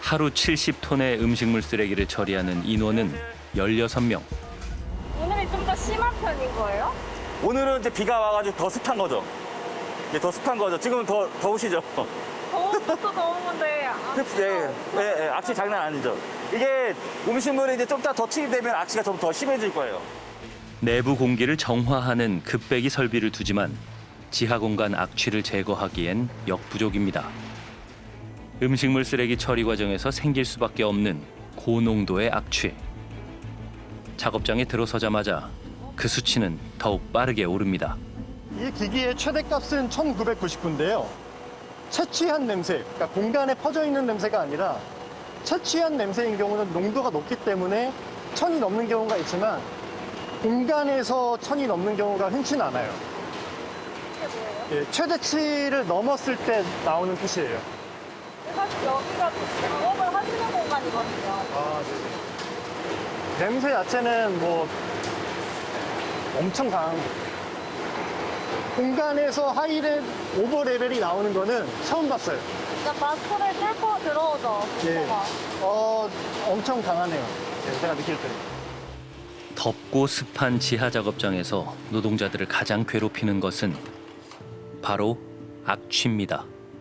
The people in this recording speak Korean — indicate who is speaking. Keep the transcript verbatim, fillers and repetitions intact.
Speaker 1: 하루 칠십 톤의 음식물 쓰레기를 처리하는 인원은 열여섯 명.
Speaker 2: 오늘이 좀 더 심한 편인 거예요?
Speaker 3: 오늘은 이제 비가 와가지고 더 습한 거죠. 이제 더 습한 거죠. 지금은 더 더우시죠.
Speaker 2: 더운 것도 더운 건데
Speaker 3: 예, 예, 예, 악취 장난 아니죠. 이게 음식물이 이제 좀 더 더 투입되면 악취가 좀 더 심해질 거예요.
Speaker 1: 내부 공기를 정화하는 급배기 설비를 두지만 지하 공간 악취를 제거하기엔 역부족입니다. 음식물 쓰레기 처리 과정에서 생길 수밖에 없는 고농도의 악취. 작업장에 들어서자마자 그 수치는 더욱 빠르게 오릅니다.
Speaker 4: 이 기기의 최대값은 천구백구십구인데요. 채취한 냄새, 그러니까 공간에 퍼져 있는 냄새가 아니라 채취한 냄새인 경우는 농도가 높기 때문에 천이 넘는 경우가 있지만 공간에서 천이 넘는 경우가 흔치는 않아요.
Speaker 2: 이게 뭐예요?
Speaker 4: 예, 최대치를 넘었을 때 나오는 뜻이에요.
Speaker 2: 사실 여기가 작업을 하시는 공간이거든요.
Speaker 4: 아, 네네. 냄새 자체는 뭐 엄청 강한 거. 공간에서 하이레 오버 레벨이 나오는 거는 처음 봤어요.
Speaker 2: 그러니까 마스크를 뚫고 들어오죠.
Speaker 4: 예.
Speaker 2: 농도가.
Speaker 4: 어, 엄청 강하네요. 예, 제가 느낄 때.
Speaker 1: 덥고 습한 지하 작업장에서 노동자들을 가장 괴롭히는 것은 바로 악취입니다.